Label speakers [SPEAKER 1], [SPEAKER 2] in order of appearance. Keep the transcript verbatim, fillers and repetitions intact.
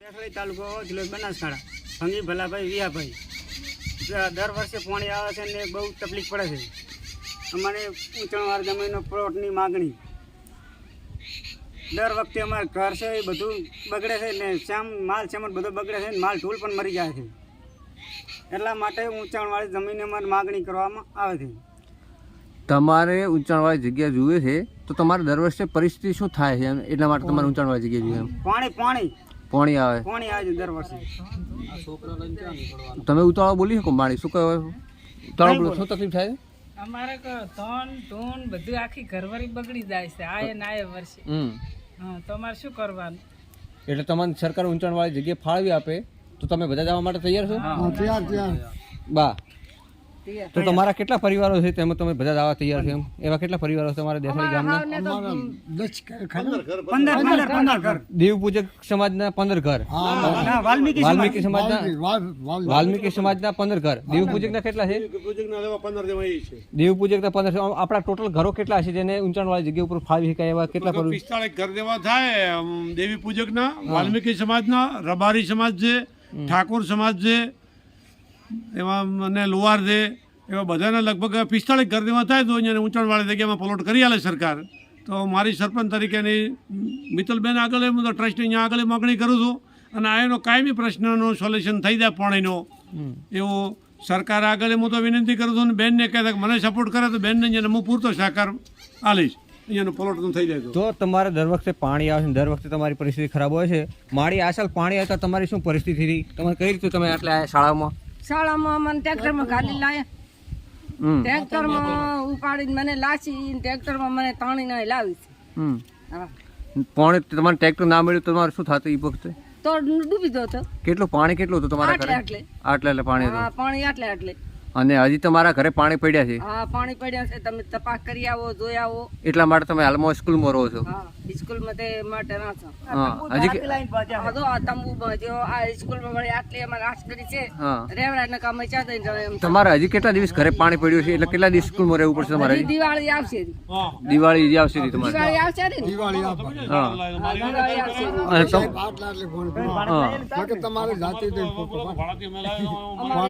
[SPEAKER 1] તાલુકો જિલ્લો બનાસકાંઠા ભંગી ભલાભાઈ વિયાભાઈ દર વર્ષે પાણી આવે છે ને બહુ તકલીફ પડે છે. અમારે ઊંચાણવાળા જમીનનો પ્લોટની માગણી દર વખતે અમારે ઘર છે એ બધું બગડે છે ને શ્યામ માલ સામાન બધો બગડે છે ને માલ ઢૂલ પણ મરી જાય છે. એટલા માટે ઊંચાણવાળી જમીન અમારે માગણી કરવામાં આવે છે.
[SPEAKER 2] તમારે ઊંચાણવાળી જગ્યા જોઈએ છે તો તમારે દર વર્ષે પરિસ્થિતિ શું થાય છે એટલા માટે તમારે ઊંચાણવાળી જગ્યા જોઈએ?
[SPEAKER 1] પાણી પાણી
[SPEAKER 2] પાણી આવે
[SPEAKER 1] પાણી આવે છે દર વર્ષે.
[SPEAKER 2] તમે ઉતાળો બોલી શકો પાણી શું કહેવાય? ઉતાળો બોલો શું તકલીફ થાય?
[SPEAKER 3] અમારે ધન ધૂન બધું આખી ઘરવાળી બગડી જાય છે આયે ને આયે વર્ષે.
[SPEAKER 2] હમ
[SPEAKER 3] હા તો અમારે શું કરવાનું?
[SPEAKER 2] એટલે તમને સરકાર ઊંચાણવાળી જગ્યા ફાળવી આપે તો તમે બધા જવા માટે તૈયાર છો?
[SPEAKER 1] તૈયાર તૈયાર
[SPEAKER 2] બા તો તમારા કેટલા પરિવારો છે તેમાં તમે બધા જવા તૈયાર છો? એમ એવા કેટલા પરિવારો છે તમારા દેસાઈ ગામના?
[SPEAKER 1] પંદર પંદર પંદર ઘર
[SPEAKER 2] દેવ પૂજક સમાજના પંદર ઘર,
[SPEAKER 1] વાલ્મીકી
[SPEAKER 2] વાલ્મીકી સમાજના વાલ્મીકી સમાજના પંદર ઘર, દેવ પૂજકના કેટલા છે? દેવ પૂજકના પંદર. આપણા ટોટલ ઘરો કેટલા છે જેને ઊંચાણવાળી જગ્યા ઉપર ફાળવી શકાય એવા કેટલા?
[SPEAKER 4] પિસ્તાળીસ ઘર દેવા થાય. દેવી પૂજકના, વાલ્મીકી સમાજના, રબારી સમાજ છે, ઠાકોર સમાજ છે, એવા અને લોહાર છે, એવા બધાના લગભગ પિસ્તાળીસ ઘર દેવા થાય તો અહીંયા ઊંચાણવાળી જગ્યામાં પ્લોટ કરી આલે સરકાર. તો મારી સરપંચ તરીકેની મિત્તલબેન આગળ હું તો ટ્રસ્ટ અહીંયા આગળ માગણી કરું છું અને આ એનો કાયમી પ્રશ્નનો સોલ્યુશન થઈ જાય પાણીનો એવો સરકાર આગળ હું તો વિનંતી કરું છું. અને બેનને કહેતા કે મને સપોર્ટ કરે તો બેનને અહીંયા હું પૂરતો સહકાર આલીશ અહીંયાનો પ્લોટ થઈ જાય
[SPEAKER 2] તો. તમારે દર વખતે પાણી આવે છે, દર વખતે તમારી પરિસ્થિતિ ખરાબ હોય છે. મારી આ સાલ પાણી આવતા તમારી શું પરિસ્થિતિ હતી? તમારે કઈ રીતે તમે આટલા શાળામાં
[SPEAKER 3] શાળામાં મને ટ્રેક્ટરમાં ગાડી લાયા, ટ્રેક્ટરમાં ઉપાડીને મને લાસી, ટ્રેક્ટરમાં મને તાણીને લાવી છે. હા
[SPEAKER 2] પાણી તમારે ટ્રેક્ટર ના મળ્યું તો તમારે શું થતું એ વખતે?
[SPEAKER 3] તો ડૂબી જતો.
[SPEAKER 2] કેટલું પાણી કેટલું હતું તમારા ઘરે?
[SPEAKER 3] આટલે
[SPEAKER 2] આટલે એટલે પાણી
[SPEAKER 3] હા
[SPEAKER 2] હતું.
[SPEAKER 3] પાણી આટલે આટલે.
[SPEAKER 2] અને હજી તમારા ઘરે પાણી પડ્યા છે?
[SPEAKER 3] હા પાણી પડ્યા છે. તમે તપાસ કરી આવો, જોઈ આવો.
[SPEAKER 2] એટલા માટે તમે હાલમાં સ્કૂલમાં રહો છો?
[SPEAKER 3] હા સ્કૂલમાં તે માટે ના છો.
[SPEAKER 2] હા હજી
[SPEAKER 3] હા તો આ તંબુ બાંધ્યો. આ સ્કૂલમાં વળી આટલી અમારે આશ કરી છે.
[SPEAKER 2] હા
[SPEAKER 3] રેવડા કામ ચા દઈને જવાય એમ.
[SPEAKER 2] તમારે હજી કેટલા દિવસ ઘરે પાણી પડ્યું છે એટલે કેટલા દિવસ સ્કૂલમાં રહેવું પડશે તમારે?
[SPEAKER 3] હજી દિવાળી આવશે.
[SPEAKER 2] દિવાળી હજી આવશે તમારે?
[SPEAKER 3] દિવાળી આવશે ને.
[SPEAKER 1] દિવાળી આપે
[SPEAKER 2] હા
[SPEAKER 3] દિવાળી આવશે.
[SPEAKER 2] અને તમ-
[SPEAKER 1] આટલા એટલે
[SPEAKER 2] હા
[SPEAKER 1] તમારે જાતે